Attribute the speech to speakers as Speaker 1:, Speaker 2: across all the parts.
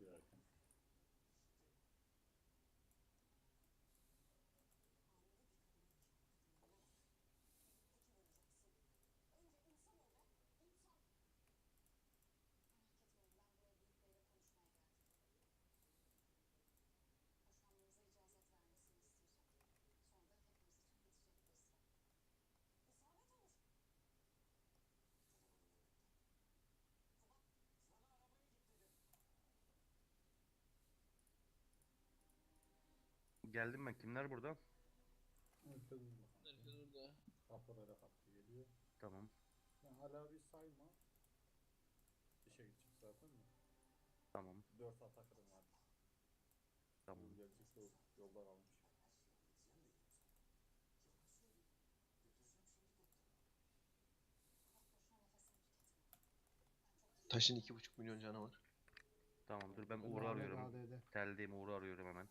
Speaker 1: girerken.
Speaker 2: Geldim ben. Kimler burada?
Speaker 1: Herkes burada kanka.
Speaker 3: Herkes burada.
Speaker 1: Kapılara kapı geliyor.
Speaker 2: Tamam.
Speaker 1: Sen hala bir sayma. İşe gidecek zaten mi?
Speaker 2: Tamam.
Speaker 1: 4 atakırım var.
Speaker 2: Tamam.
Speaker 1: Gelecek yolda kalmış.
Speaker 3: Taşın 2,5 milyon canı var.
Speaker 2: Tamam dur ben Uğur'u
Speaker 4: Lanet
Speaker 2: arıyorum.
Speaker 4: AD'de.
Speaker 2: Teldeyim, Uğur'u arıyorum hemen.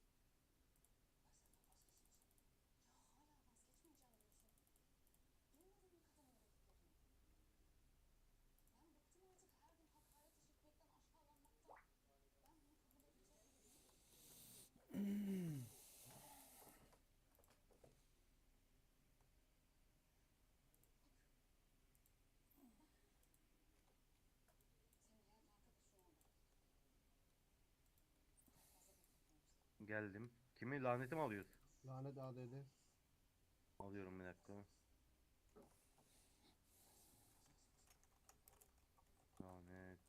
Speaker 2: Geldim. Kimi laneti mi alıyoruz?
Speaker 4: Lanet AD'de.
Speaker 2: Alıyorum bir dakika. Lanet.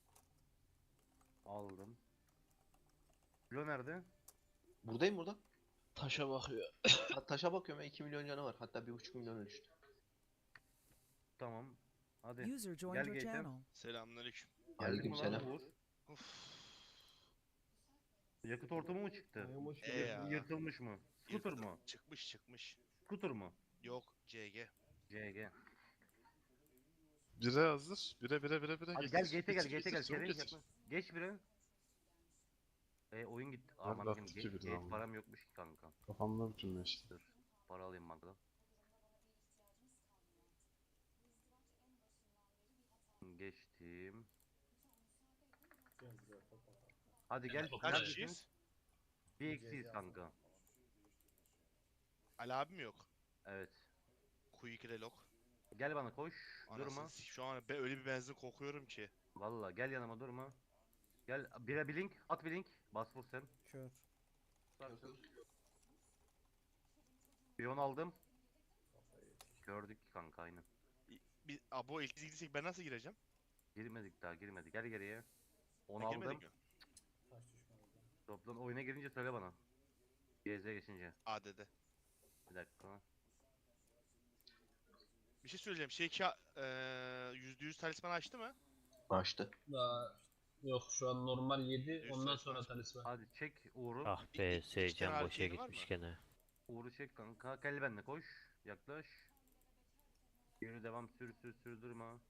Speaker 2: Aldım. Kilo nerede?
Speaker 3: Buradayım burada. Taşa bakıyor. Taşa bakıyorum ya 2 milyon canı var. Hatta 1,5 milyona düştü.
Speaker 2: Tamam. Hadi.
Speaker 5: User joined
Speaker 2: Gel
Speaker 5: your
Speaker 2: Gate'e.
Speaker 5: channel.
Speaker 6: Selamünaleyküm.
Speaker 2: Geldik mi lan
Speaker 3: Aleykümselam.
Speaker 2: Uğur?
Speaker 6: Uf.
Speaker 2: Yakıt ortamı mı çıktı?
Speaker 4: Ayağım hoş
Speaker 6: E
Speaker 4: geldin.
Speaker 6: ya.
Speaker 2: Yırtılmış mı? Scooter
Speaker 6: Yırttım.
Speaker 2: mu?
Speaker 6: Çıkmış.
Speaker 2: Scooter mu?
Speaker 6: Yok CG.
Speaker 2: CG.
Speaker 7: Bire hazır. Bire.
Speaker 2: Hadi gel Gate'e gel, Gate'e gel.
Speaker 7: Çabuk
Speaker 2: Seri
Speaker 7: getir.
Speaker 2: yapma. Geç bire. Oyun gitti.
Speaker 7: Abi
Speaker 2: Aman
Speaker 7: attı
Speaker 2: Gate,
Speaker 7: ki birini
Speaker 2: Gate
Speaker 7: ama.
Speaker 2: param yokmuş ki kanka.
Speaker 7: Kafamda bütünleşti işte.
Speaker 2: Dur. Para alayım bankadan. Geçtim.
Speaker 1: Gel buraya top atar.
Speaker 2: Hadi gel.
Speaker 6: Kaç
Speaker 2: Neredesin?
Speaker 6: kişiyiz?
Speaker 2: Bir eksiyiz kanka.
Speaker 6: Ali abim yok.
Speaker 2: Evet.
Speaker 6: Q2 relog.
Speaker 2: Gel bana koş. Durma.
Speaker 6: Anasını şu an ben öyle bir benzin kokuyorum ki.
Speaker 2: Valla gel yanıma durma. Gel bire bir link. At bir link. Bas vur sen.
Speaker 4: Kör.
Speaker 2: Piyon aldım. Gördük kanka aynen.
Speaker 6: Bir abo ilk girsek ben nasıl gireceğim?
Speaker 2: Girmedik daha girmedik. Gel geriye. 10
Speaker 6: Ben girmedik
Speaker 2: aldım.
Speaker 6: mi?
Speaker 1: Taş düşman oldu.
Speaker 2: Toplan oyuna girince söyle bana. GZ geçince.
Speaker 6: AD'de.
Speaker 2: Bir dakika.
Speaker 6: Bir şey söyleyeceğim. %100 talisman açtı mı?
Speaker 3: Açtı.
Speaker 8: Daha yok şu an normal 7
Speaker 6: Yüz
Speaker 8: ondan
Speaker 6: sayfa
Speaker 8: sonra
Speaker 6: var.
Speaker 8: talisman.
Speaker 2: Hadi çek Uğur'u.
Speaker 9: Ah
Speaker 6: İki
Speaker 9: be
Speaker 6: tane
Speaker 9: Seycan boşa
Speaker 6: erkeğin var
Speaker 9: gitmiş
Speaker 6: mı?
Speaker 9: gene.
Speaker 2: Uğur'u çek kanka. Gel benimle koş. Yaklaş. Yürü devam sür durma.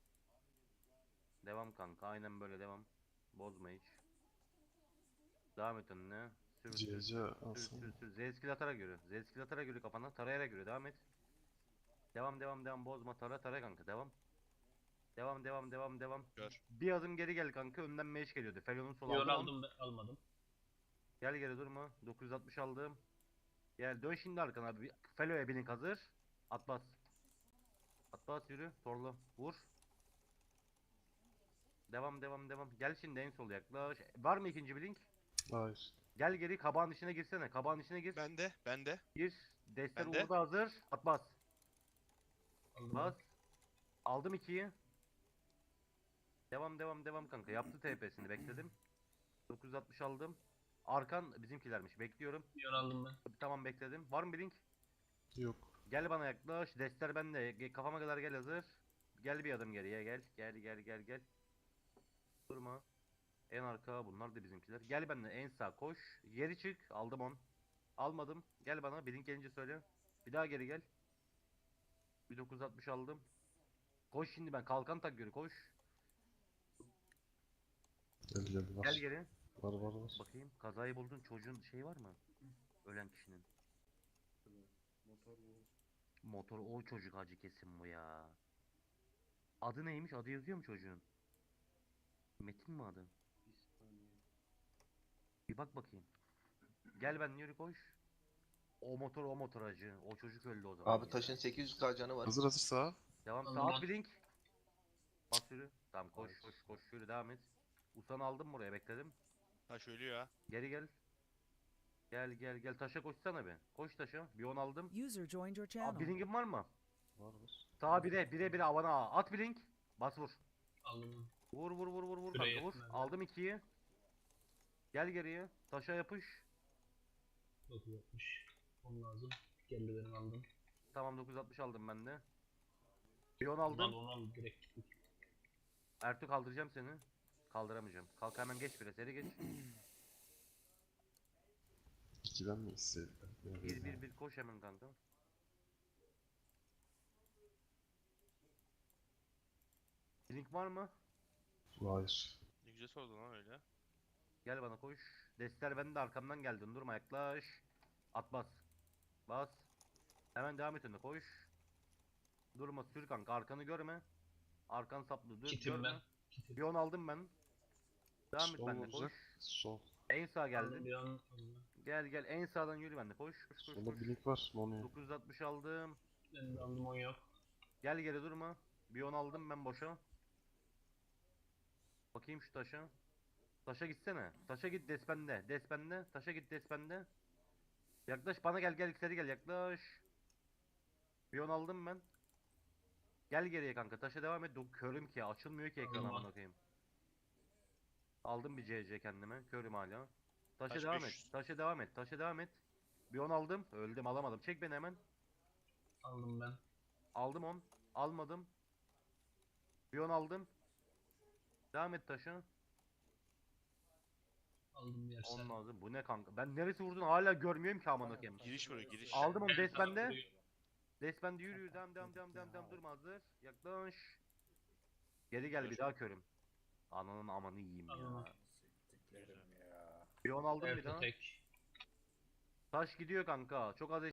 Speaker 2: Devam kanka. Aynen böyle devam. Bozma hiç. Devam et önüne. Sür.
Speaker 7: CC alsana.
Speaker 2: Z skill atarak yürü. Z skill atarak yürü kafana. Tarayarak yürü. Devam et. Devam. Bozma. Tara kanka. Devam.
Speaker 6: Gör.
Speaker 2: Bir adım geri gel kanka. Önden meş geliyordu. Felon'un sol
Speaker 8: Yor
Speaker 2: aldı.
Speaker 8: aldım almadım.
Speaker 2: Gel geri durma. 960 aldım. Gel dön şimdi arkana abi. Felo'ya blink hazır. At bas. At bas yürü. Torlu. Vur. Devam. Gel şimdi en sol yaklaş. Var mı ikinci blink?
Speaker 7: Hayır.
Speaker 2: Gel geri kabağın içine girsene. Kabağın içine gir.
Speaker 6: Bende.
Speaker 2: Gir. Destler
Speaker 6: Ben de.
Speaker 2: Uğur'da hazır. At bas.
Speaker 8: Aldım
Speaker 2: Bas. Aldım 2'yi. Devam kanka. Yaptı TP'sini bekledim. 960 aldım. Arkan bizimkilermiş. Bekliyorum.
Speaker 8: Yor aldım ben.
Speaker 2: Tamam bekledim. Var mı blink?
Speaker 7: Yok.
Speaker 2: Gel bana yaklaş. Destler bende. Kafama kadar gel hazır. Gel bir adım geriye gel. Gel. Durma. En arka bunlar da bizimkiler. Gel benimle en sağ koş. Geri çık. Aldım 10. Almadım. Gel bana. Blink gelince söyle. Bir daha geri gel. 1960 aldım. Koş şimdi ben. Kalkan tak yürü koş.
Speaker 7: Gel var.
Speaker 2: Gel geri.
Speaker 7: Var.
Speaker 2: Bakayım. Kazayı buldun. Çocuğun şey var mı? Ölen kişinin.
Speaker 1: Motor bu.
Speaker 2: Motor o çocuk acı kesin bu ya. Adı neymiş? Adı yazıyor mu çocuğun? Metin mi adı?
Speaker 1: Bir saniye.
Speaker 2: Bir bak bakayım. Gel ben yürü koş. O motor acı. O çocuk öldü o zaman
Speaker 3: Abi
Speaker 2: ya.
Speaker 3: taşın 800k canı var.
Speaker 7: Hazır sağa.
Speaker 2: Devam
Speaker 8: Aldım
Speaker 2: saat
Speaker 8: ben.
Speaker 2: blink. Bas yürü. Tamam koş
Speaker 1: Evet.
Speaker 2: koş koş yürü devam et. Usan aldım buraya bekledim.
Speaker 6: Taş ölüyor ha.
Speaker 2: Geri gel. Gel gel gel taşa koşsana be. Koş taşa. Bir 10 aldım.
Speaker 4: User joined your
Speaker 2: Abi
Speaker 4: channel.
Speaker 2: blink'in var mı?
Speaker 7: Var var.
Speaker 2: Sağa 1'e avana at blink. Bas vur.
Speaker 8: Aldım.
Speaker 2: Vur vur vur vur vur
Speaker 8: Şuraya
Speaker 2: kanka vur.
Speaker 8: yetmez.
Speaker 2: Aldım 2'yi. Gel geriye. Taşa yapış.
Speaker 8: 960. Onun lazım. Geldi benim aldım.
Speaker 2: Tamam 960 aldım ben de. Bir 10
Speaker 8: Onu al
Speaker 2: aldım.
Speaker 8: onu al direkt gittik.
Speaker 2: Ertuğ kaldıracağım seni. Kaldıramayacağım. Kalk hemen geç bire seri geç.
Speaker 7: 2'den mi isteydim?
Speaker 2: 1 koş hemen kanka. Link var mı?
Speaker 7: Hayır.
Speaker 6: Ne güzel sordun lan öyle.
Speaker 2: Gel bana koş. Destler bende arkamdan geldin. Durma yaklaş. At bas. Bas. Hemen devam et önüne koş. Durma sür kanka arkanı görme. Arkan saplı dur
Speaker 8: Kitim
Speaker 2: görme.
Speaker 8: ben. Kitim.
Speaker 2: Bir 10 aldım ben. Devam et
Speaker 7: Sol
Speaker 2: benimle
Speaker 7: olacak.
Speaker 2: koş.
Speaker 7: Sol.
Speaker 2: En sağ
Speaker 8: Aldım
Speaker 2: geldi.
Speaker 8: bir an. Aldım.
Speaker 2: Gel gel en sağdan yürü benimle koş. Koş koş
Speaker 7: Solda
Speaker 2: koş.
Speaker 7: blink var. Monu'ya.
Speaker 2: 960 aldım.
Speaker 8: Ben de aldım 10 yok.
Speaker 2: Gel geri durma. Bir 10 aldım ben boşa. Bakayım şu taşa. Taşa gitsene. Taşa git despende. Despende. Taşa git despende. Yaklaş bana gel gel seri gel yaklaş. Bir 10 aldım ben. Gel geriye kanka. Taşa devam et. Körüm ki. Açılmıyor ki ekran
Speaker 8: Tamam.
Speaker 2: amına koyayım. Aldım bir CC kendime. Körüm hala. Taşa
Speaker 6: Taş
Speaker 2: devam
Speaker 6: 500.
Speaker 2: et. Taşa devam et. Taşa devam et. Bir 10 aldım. Öldüm alamadım. Çek beni hemen.
Speaker 8: Aldım ben.
Speaker 2: Aldım 10. Almadım. Bir 10 aldım. Devam et taşa.
Speaker 8: Aldım bir yersen.
Speaker 2: 10 lazım. Bu ne kanka? Ben neresi vurdun hala görmüyorum ki amına koyayım.
Speaker 6: Giriş vuruyor giriş.
Speaker 2: Aldım onu
Speaker 8: Ben sana
Speaker 2: desbende.
Speaker 8: vuruyorum.
Speaker 2: Desbende yürü yürü devam durma hazır. Yaklaş. Geri gel bir daha körüm. Ananın amanı yiyeyim ya.
Speaker 8: Tamam.
Speaker 1: Siktiklerim ya.
Speaker 2: Bir 10 aldım bir
Speaker 8: Ertuğ
Speaker 2: daha.
Speaker 8: tek.
Speaker 2: Taş gidiyor kanka. Çok az